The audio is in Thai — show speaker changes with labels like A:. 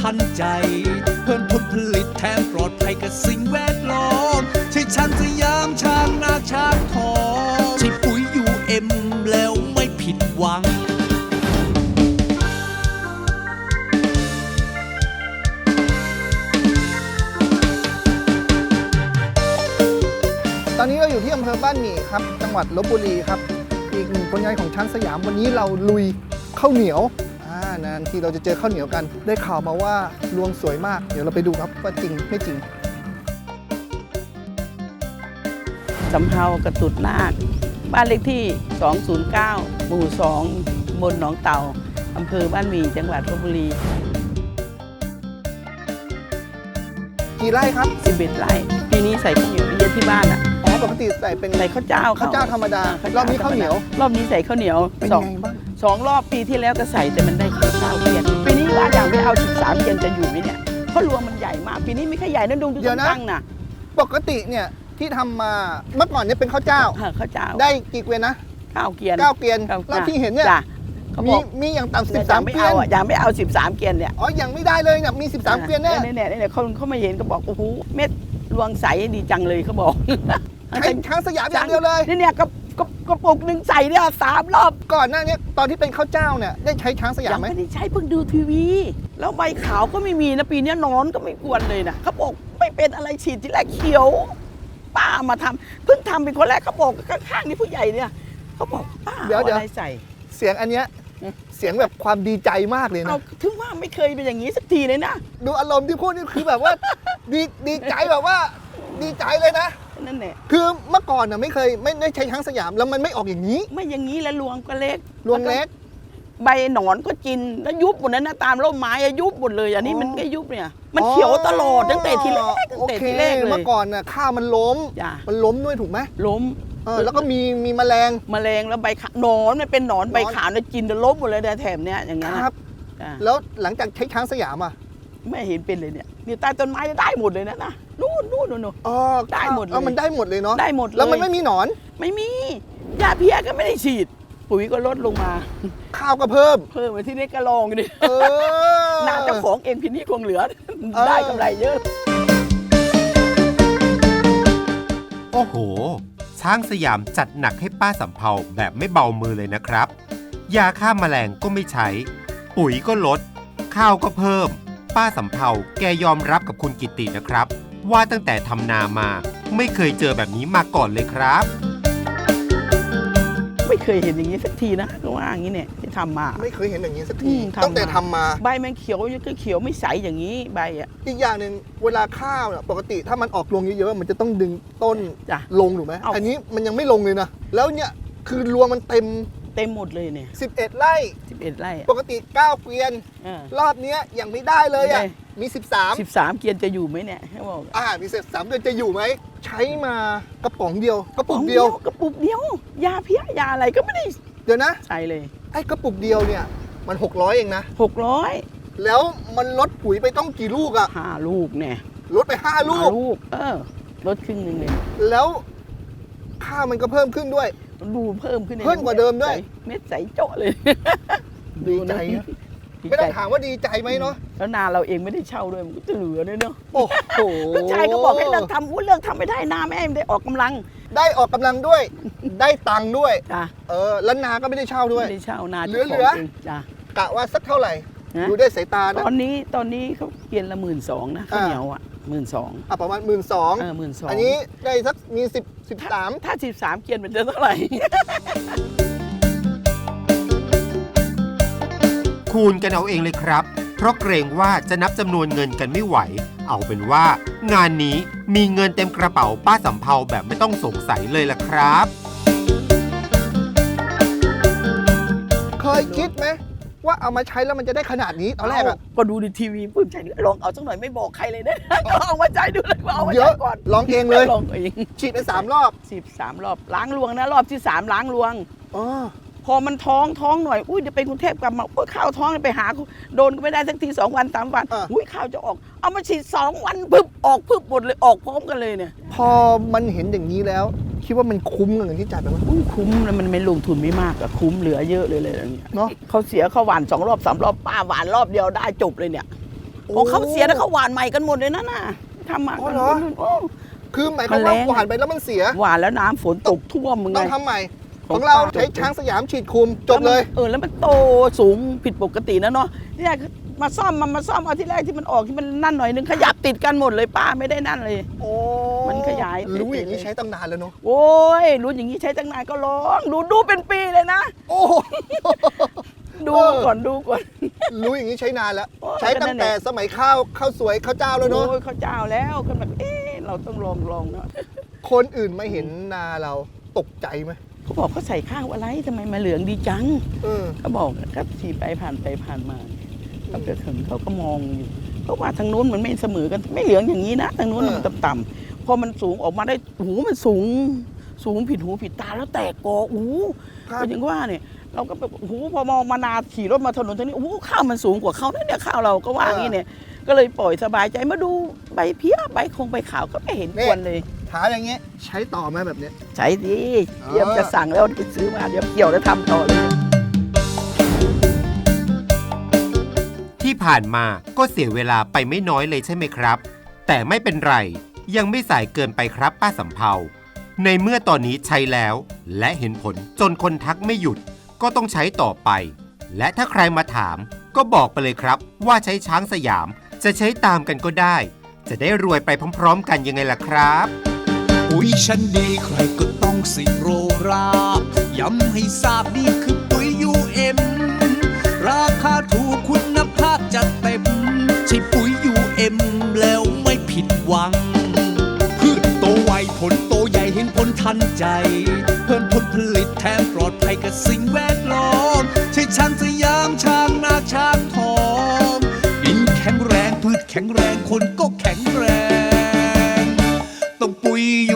A: ทันใจเพิ่มผลผลิตแถมปลอดภัยกับสิ่งแวดล้อมใช่ช้างสยามช้างนาช้างทองใช่ปุ๋ยUMแล้วไม่ผิดหวัง
B: ตอนนี้เราอยู่ที่อำเภอบ้านหมี่ครับจังหวัดลพบุรีครับอีกหนึ่งผลงานของช้างสยามวันนี้เราลุยข้าวเหนียวนานทีเราจะเจอข้าวเหนียวกันได้ข่าวมาว่ารวงสวยมากเดี๋ยวเราไปดูครับว่าจริงไม่จริง
C: สำเภากระตุดนาคบ้านเลขที่ 209 หมู่ 2 ตำบลหนองเต่าอำเภอบ้านหมี่จังหวัดลพบุรี
B: กี่ไร่ครับ
C: 11 ไร่ปีนี้ใส่ข้าวเหนียวเยอะที่บ้านอ่ะ
B: อ๋อปกติใส่เป็น
C: ใส่ข้าวเจ้า
B: ธรรมดารอบนี้ข้าวเหนียว
C: รอบนี้ใส่ข้าวเหนียว
B: เป็นไงบ้าง
C: 2 รอบปีที่แล้วก็ใส่แต่มันได้แค่9 เกียนปีนี้ว่าอย่างไม่เอา13 เกียนจะอยู่ไหมเนี่ยเพราะรวงมันใหญ่มากปีนี้ไม่ค่อยใหญ่นะดูตั้งนะ
B: ปกติเนี่ยที่ทำมาเมื่อก่อนเนี่ยเป็นข้าวเจ้าได้กี่เกวียนนะ
C: 9 เกียน
B: แล้วที่เห็นเนี่ยมีอย่างต่ำ13 เกวียน
C: ยังไม่เอา13 เกียนเนี่ย
B: อ๋อยังไม่ได้เลยเนี่ยมี13 เกวียนแน่
C: เนี่ยเขามาเห็นก็บอกโอ้โหเม็ดรวงใสดีจังเลยเขาบอก
B: ช้างสยามอย่างเดียวเลย
C: เนี่ยกระปุกหนึ่งใส่เนี่ย3 รอบ
B: ก่อนหน้านี้ตอนที่เป็นข้าวเจ้าเนี่ยได้ใช้ช้างสยามไหม
C: ไม่ได้ใช้เพิ่งดูทีวีแล้วใบขาวก็ไม่มีนะปีนี้นอนก็ไม่กวนเลยนะเขาบอกไม่เป็นอะไรฉีดที่แรกเขียวป้ามาทำเพิ่งทำเป็นคนแรกเขาบอกข้างๆนี่ผู้ใหญ่เนี่ยเขาบอกป้าเอาอะไรใส่
B: เสียงอันเนี้ยเสียงแบบความดีใจมากเลยนะ
C: ถึงว่าไม่เคยเป็นอย่างนี้สักทีเลยนะ
B: ดูอารมณ์ที่พูดนี่คือแบบว่าดีใจแบบว่าดีใจเลยนะ
C: นั่นแหละ
B: คือเมื่อก่อนน่ะไม่ได้ใช้ช้างสยามแล้วมันไม่ออกอย่างนี้
C: ไม่อย่างนี้แล้วรวงก็เล็ก
B: รวงเล็ก
C: ใบหนอนก็กินแล้วยุบหมดนั้นนะตามร่มไม้ยุบหมดเลยอันนี้มันก็ยุบเนี่ยมันเขียวตลอดตั้งแต่ทีแรกเลย
B: เมื่อก่อนน่ะข้าวมันล้มด้วยถูกไหม
C: ล้ม
B: แล้วก็มีแมลง
C: แล้วใบขาวหนอนมันเป็นหนอนใบขาวเนี่ยกินจะล้มหมดเลยแต่แถมเนี้ยอย่างเงี้ย
B: ครับแล้วหลังจากใช้ช้างสยามอ่ะ
C: ไม่เห็นเป็นเลยเนี่ยนี่ใต้ต้นไม้ได้หมดเลยนะนู่น
B: อ๋อ
C: ได้หมดเลย
B: มันได้หมดเลยเนาะ
C: ได้หมดเลย
B: แล้วมันไม่มีหนอน
C: ไม่มียาเพี้ยก็ไม่ได้ฉีดปุ๋ยก็ลดลงมา
B: ข้าวก็เพิ่ม
C: ไปที่นี่ก็ลองดิน่าเจ้าของเองพี่นี่คงเหลือได้กำไรเยอะ
D: โอ้โหช้างสยามจัดหนักให้ป้าสำเภาแบบไม่เบามือเลยนะครับยาฆ่าแมลงก็ไม่ใช้ปุ๋ยก็ลดข้าวก็เพิ่มป้าสำเภาแกยอมรับกับคุณกิตตินะครับว่าตั้งแต่ทำนามาไม่เคยเจอแบบนี้มาก่อนเลยครับ
C: ไม่เคยเห็นอย่างนี้สักทีนะก็ว่าอย่างนี้เนี่ยที่ทำมา
B: ไม่เคยเห็นอย่างนี้สักทีตั้งแต่ทำมา
C: ใบมันเขียวก็เขียวไม่ใสอย่างนี้ใบอ่ะ
B: อีกอย่างหนึ่งเวลาข้าวปกติถ้ามันออกรวงเยอะๆมันจะต้องดึงต้นลงถูกไหมอันนี้มันยังไม่ลงเลยนะแล้วเนี่ยคือรวงมันเต็ม
C: หมดเลยเนี่ย
B: 11 ไร่ปกติ9 เกวียนรอบนี้ยังไม่ได้เลยอ่ะมี13
C: เกียนจะอยู่ไหมเนี่ยให้บอก
B: มี13 เดือนจะอยู่ไหมใช้มากระป๋องเดียวกระปุกเดีย
C: วยาเพี้ยยาอะไรก็ไม่ได้
B: เดี๋ยวนะ
C: ใช่เลย
B: ไอ้กระปุกเดียวเนี่ยมัน600เองนะ
C: 600
B: แล้วมันลดปุ๋ยไปต้องกี่ลูกอ่ะ
C: 5 ลูกเนี่ย
B: ลดไป5 ลูก
C: ลดครึ่งนึงเลย
B: แล้วข้าวมันก็เพิ่มขึ้นด้วย
C: ดูเพิ่มขึ้น
B: กว่าเดิมด้วย
C: เม็ดใสโจ๊ะเลย
B: ดีใจไม่ต้องถามว่าดีใจไหมเนาะ
C: แล้วนาเราเองไม่ได้เช่าด้วยมันก็จะเหลือเนาะ
B: โอ้โห
C: ลูกชายก็บอกให้เลิกทำเรื่องทำไม่ได้นาแม่ไม่ได้ออกกำลัง
B: ด้วยได้ตังค์ด้วยแล้วนาก็ไม่ได้เช่าด้วย
C: ไม่ได้เช่านา
B: เหลือกะว่าสักเท่าไหร่ดูได้สายตา
C: ตอนนี้เขาเกียนละ12,000นะข้าวเหนียวอ่ะ12,000
B: ประมาณ12,000อันนี้ได้สักมี13
C: ถ้า13เกียนมันจะเท่าไหร่
D: คูณกันเอาเองเลยครับเพราะเกรงว่าจะนับจำนวนเงินกันไม่ไหวเอาเป็นว่างานนี้มีเงินเต็มกระเป๋าป้าสำเภาแบบไม่ต้องสงสัยเลยล่ะครับ
B: เคยคิดไหมว่าเอามาใช้แล้วมันจะได้ขนาดนี้ตอนแรก
C: ก็ดูในทีวีปื้มใจลองเอาสักหน่อยไม่บอกใครเลยนะเอามาใจดูเลยเอามาใจก่อน
B: ลองเองเลย
C: ลองเอง
B: ฉีดไป3 รอบ
C: 13 รอบล้างรวงนะรอบที่3ล้างรวงพอมันท้องหน่อยจะไปกรุงเทพกลับมาข้าวท้องไปหาโดนก็ไม่ได้สักที2 วัน3 วันข้าวจะออกเอามาฉีด2 วันปึ๊บออกปึ๊บหมดเลยออกพร้อมกันเลยเนี่ย
B: พอมันเห็นอย่างนี้แล้วคิดว่ามันคุ้มกับเงินที่จ่ายไปไหม
C: คุ้มแล้วมันไม่ลงทุนไม่มากอะคุ้มเหลือเยอะเลยอย่างเงี้ย
B: เนาะ
C: เขาเสียเขาหวาน2 รอบ 3 รอบป้าหวานรอบเดียวได้จบเลยเนี่ยพอเขาเสียแล้วเขาหวานใหม่กันหมดเลยนะน่ะทำมา
B: อ๋อ
C: กัน
B: เหร
C: หม
B: อ
C: ดเลยโอ้
B: คือหมายความว่า
C: มันแรง
B: หวานไปแล้วมันเสีย
C: หวานแล้วน้ำฝนตกท่วมมึงไง
B: ต้องทำใหม่
C: ข
B: ข
C: อ
B: อง งเรา
C: ป้า
B: ใช้ช้างสยามฉีดคุมจบเลย
C: แล้วมันโตสูงผิดปกตินะเนาะเนี่ยมาซ่อมเอาที่แรกที่มันออกที่มันนั่นหน่อยนึงขยับติดกันหมดเลยป้าไม่ได้นั่นเลย
B: โอ้
C: มันขยาย
B: รู้อย่างนี้ใช้ตั้งนานแล้วเนาะ
C: โอ้ยรู้อย่างนี้ใช้ตั้งนานก็ร้องดูเป็นปีเลยนะ
B: โอ้
C: ดูก่อน
B: รู้อย่างนี้ใช้นานแล้ว
C: โอ้
B: ใช้ตั้งแต่สมัยข้าวสวยข้าวเจ้าแล้วเนาะ
C: โอ้ยเขาเจ้าแล้วก็แบบเราต้องลองเนาะ
B: คนอื่นมาเห็นนาเราตกใจไหม
C: เขาบอกเขาใส่ข้าวอะไรทำไมมาเหลืองดีจัง
B: เออ
C: เขาบอกก็ขี่ไปผ่านมาเขาจะถึงเขาก็มองอยู่เพราะว่าทางนู้นมันไม่เสมอกันไม่เหลืองอย่างนี้นะทางนู้นมันต่ำๆพอมันสูงออกมาได้หูมันสูงผิดหูผิดตาแล้วแตกกอก็อย่างว่าเนี่ยเราก็แบบพอมองมานาขี่รถมาถนนทางนี้ข้าวมันสูงกว่าเขาเนี่ยข้าวเราก็ว่าอย่างนี้เนี่ยก็เลยปล่อยสบายใจมาดูใบเพี้ยใบขาวก็ไม่เห็นควรเลย
B: ถามอย่างเงี้ยใช้ต่อไหมแบบเนี้ย
C: ใช่ดิเตรียมจะสั่งแล้วไปซื้อมาเดี๋ยวเกี่ยวแล้วทำต่อเลย
D: ที่ผ่านมาก็เสียเวลาไปไม่น้อยเลยใช่ไหมครับ แต่ไม่เป็นไรยังไม่สายเกินไปครับป้าสำเภาในเมื่อตอนนี้ใช้แล้ว และเห็นผลจนคนทักไม่หยุดก็ต้องใช้ต่อไป และถ้าใครมาถามก็บอกไปเลยครับว่าใช้ช้างสยามจะใช้ตามกันก็ได้ จะได้รวยไปพร้อมๆกันยังไงล่ะครับ
A: ปุ๋ยชั้นดีใครก็ต้องสิโรราบย้ำให้ทราบนี่คือปุ๋ย UM ราคาถูกคุณภาพจัดเต็มใช่ปุ๋ย UM แล้วไม่ผิดหวังพืชโตไวผลโตใหญ่เห็นผลทันใจ เพิ่มผลผลิตแถมปลอดภัยกับสิ่งแวดล้อมใช่ช้างสยามช้างนาช้างทองดินแข็งแรงพืชแข็งแรงคนก็แข็งแรงต้องปุ๋ย